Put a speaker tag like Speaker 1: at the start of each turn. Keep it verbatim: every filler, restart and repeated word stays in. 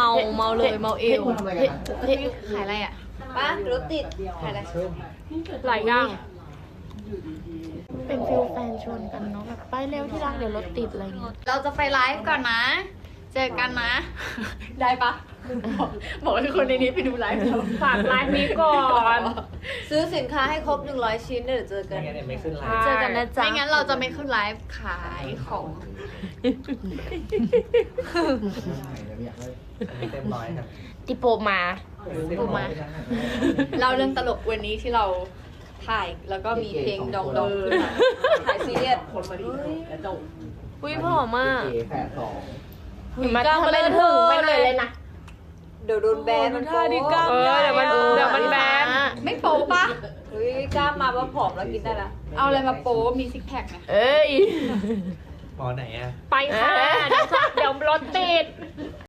Speaker 1: มาเมาเลยเมาเอว
Speaker 2: เฮ้ยขายอะไรอ่ะป้ารถติดขายอะไร
Speaker 1: หลายอย่าง
Speaker 3: เป็นฟิลแฟนชวนกันเนาะแบบไปเร็วที่รักเดี๋ยวรถติดอะไรเงี้ย
Speaker 2: เราจะไปไลฟ์ก่อนนะ เจอกันนะ ได้ปะบอกบอกให้คนในนี้ไปดูไลฟ์เรา
Speaker 1: ฝากไลฟ์นี้ก่อน
Speaker 2: ซื้อสินค้าให้ครบหนึ่งร้อยชิ้นเดี๋ยวเจอกัน
Speaker 4: ไม่งั้นเนี่ยไม่ขึ้นไล
Speaker 1: ใช่
Speaker 4: น์
Speaker 3: เจอกันนะจ๊ะ
Speaker 2: ไม่งั้นเราจะไม่ขึ้นไลฟ์ขายของ
Speaker 4: ไม่เต็มร้อยครับ
Speaker 3: ติโปมา
Speaker 2: ถูกไหม เราเรื่องตลกวันนี้ที่เราถ่ายแล้วก็มีเพลงดองดองขึ้นมาถ่ายซีเรียส
Speaker 1: อุ้ยผอมมาก
Speaker 4: แปดสอง
Speaker 3: มาทำเป็นหึงไปหน่อยเลยนะ
Speaker 2: เดี๋ยวโดนแบนมันโป๊
Speaker 1: เออเดี๋ยวมันเดี๋ยวมันแบน
Speaker 2: ไม่โป๊ปะเฮ้ยกล้ามาว่าผอมแล้วกินได้ละเอาอะไรมาโป๊มีซิกแพคไหม
Speaker 3: เอ้ย
Speaker 4: หมอไหนอ่ะ
Speaker 1: ไปค่ะ เดี๋ยวเดี๋ยวรถติด